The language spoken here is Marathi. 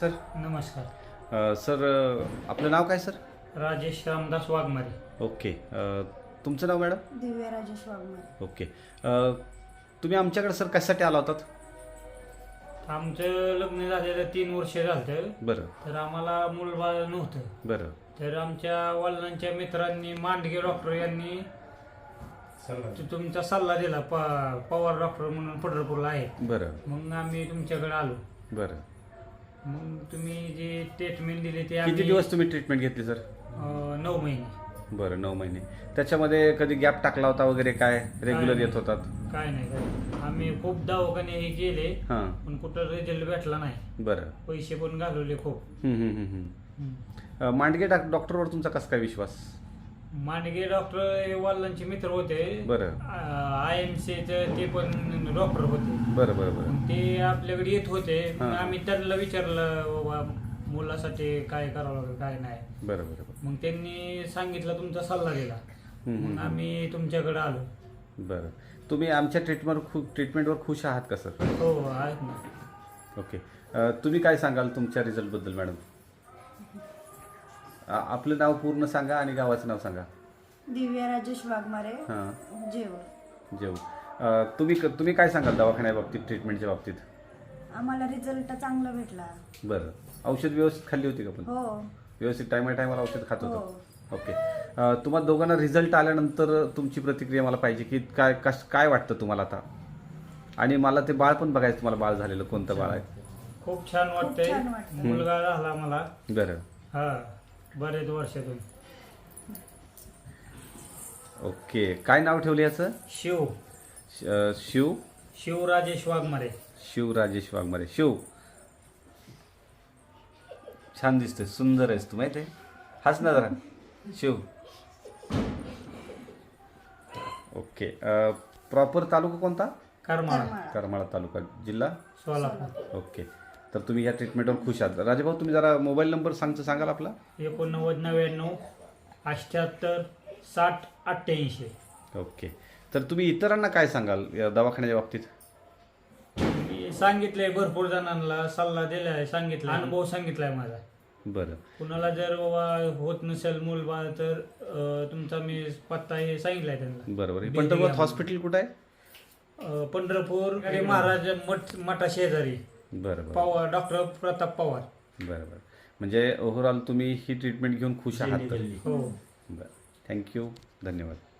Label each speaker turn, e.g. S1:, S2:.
S1: सर
S2: नमस्कार.
S1: सर आपलं नाव काय सर?
S2: राजेश रामदास वाघमारे.
S1: ओके. तुमचं नाव मॅडम?
S3: दिव्या राजेश वाघमारे.
S1: ओके. तुम्ही आमच्याकडे सर कशासाठी आला होतात?
S2: आमचं लग्न झालेलं 3 वर्ष झालं.
S1: बरं
S2: तर आम्हाला मूलबाळ नव्हतं.
S1: बरं
S2: तर आमच्या वडिलांच्या मित्रांनी मांडगे डॉक्टर यांनी तुमचा सल्ला दिला. पवार डॉक्टर म्हणून पंढरपूरला आहेत.
S1: बरं
S2: मग आम्ही तुमच्याकडे आलो.
S1: बरं.
S2: मग तुम्ही जे ट्रीटमेंट दिली ते
S1: किती
S2: आम्ही
S1: दिवस तुम्ही ट्रीटमेंट घेतली सर?
S2: 9 महिने.
S1: बरं 9 महिने. त्याच्यामध्ये कधी गॅप टाकला होता वगैरे काय? रेग्युलर येत होतात?
S2: काय नाही. आम्ही खूप दवाखाने हे केले
S1: हां
S2: पण कुठं रिझल्ट भेटला नाही.
S1: बरं.
S2: पैसे पण घालवले खूप.
S1: मांडगे डॉक्टरवर तुमचा कसा काय विश्वास?
S2: मांडगे डॉक्टर वडिलांचे मित्र होते.
S1: बरं
S2: IMC ते पण डॉक्टर होते.
S1: बरं बरं बरं.
S2: मग ते आपल्याकडे येत होते. मग
S1: हां.
S2: आम्ही त्यांना विचारलं बाबा मुलासाठी काय करावं लागेल काय नाही.
S1: बरं बरं बरं.
S2: मग त्यांनी सांगितलं, तुमचा सल्ला दिला. मग आम्ही तुमच्याकडे आलो.
S1: बरं. तुम्ही आमच्या ट्रीटमेंटवर खुश आहात का सर?
S2: हो आहेत ना.
S1: ओके. तुम्ही काय सांगाल तुमच्या रिझल्टबद्दल मॅडम? आपलं नाव पूर्ण सांगा आणि गावाचं नाव सांगा.
S3: दिव्या राजेश वाघमारे.
S1: हां
S3: जेवण.
S1: जेव. तुम्ही काय सांगाल दवाखान्या बाबतीत, ट्रीटमेंटच्या बाबतीत?
S3: आम्हाला रिझल्ट चांगला भेटला.
S1: बरं. औषध व्यवस्थित खाल्ली होती का पण?
S3: हो
S1: व्यवस्थित टायमाला औषध खात
S3: हो.
S1: होतं? ओके. तुम्हाला दोघांना रिझल्ट आल्यानंतर तुमची प्रतिक्रिया मला पाहिजे की काय वाटतं तुम्हाला आता? आणि मला ते बाळ पण बघायचं, तुम्हाला बाळ झालेलं कोणतं बाळ आहे?
S2: खूप छान वाटतंय.
S3: छान वाटतंय.
S2: मुलगा झाला मला.
S1: बरं.
S2: हा बरेच वर्षातून.
S1: ओके. काय नाव ठेवलं याचं?
S2: शिव
S1: शिव
S2: शिव राजेश वाघमारे.
S1: शिव राजेश वाघमारे. शिव छान दिसतोय, सुंदर आहेस तू, माहिती आहे. हाच ना जरा शिव. ओके. प्रॉपर तालुका कोणता?
S2: करमाळा,
S1: करमाळा तालुका, जिल्हा
S2: सोलापूर.
S1: ओके. तर तुम्ही या ट्रीटमेंटवर खुश आहात. राजेभाऊ तुम्ही जरा मोबाईल नंबर सांगाल आपला?
S2: 89 78 60 88.
S1: ओके. तर तुम्ही इतरांना काय सांगाल या दवाखान्याच्या बाबतीत?
S2: मी सांगितलंय भरपूर जणांना, सल्ला दिलाय, सांगितलाय, अनुभव सांगितलाय माझा.
S1: बरं
S2: कुणाला जर बाबा होत नसेल मूलबाळ तर तुमचा मी पत्ता हे सांगितलाय त्यांना.
S1: बरोबर. पंढरपूर हॉस्पिटल कुठं आहे?
S2: पंढरपूर महाराज मठा शेजारी.
S1: बरं बरं
S2: पवार डॉक्टर प्रताप पवार.
S1: बरं बरं. म्हणजे ओव्हरऑल तुम्ही ही ट्रीटमेंट घेऊन खुश आहात तर?
S2: हो.
S1: बरं. थँक्यू. धन्यवाद.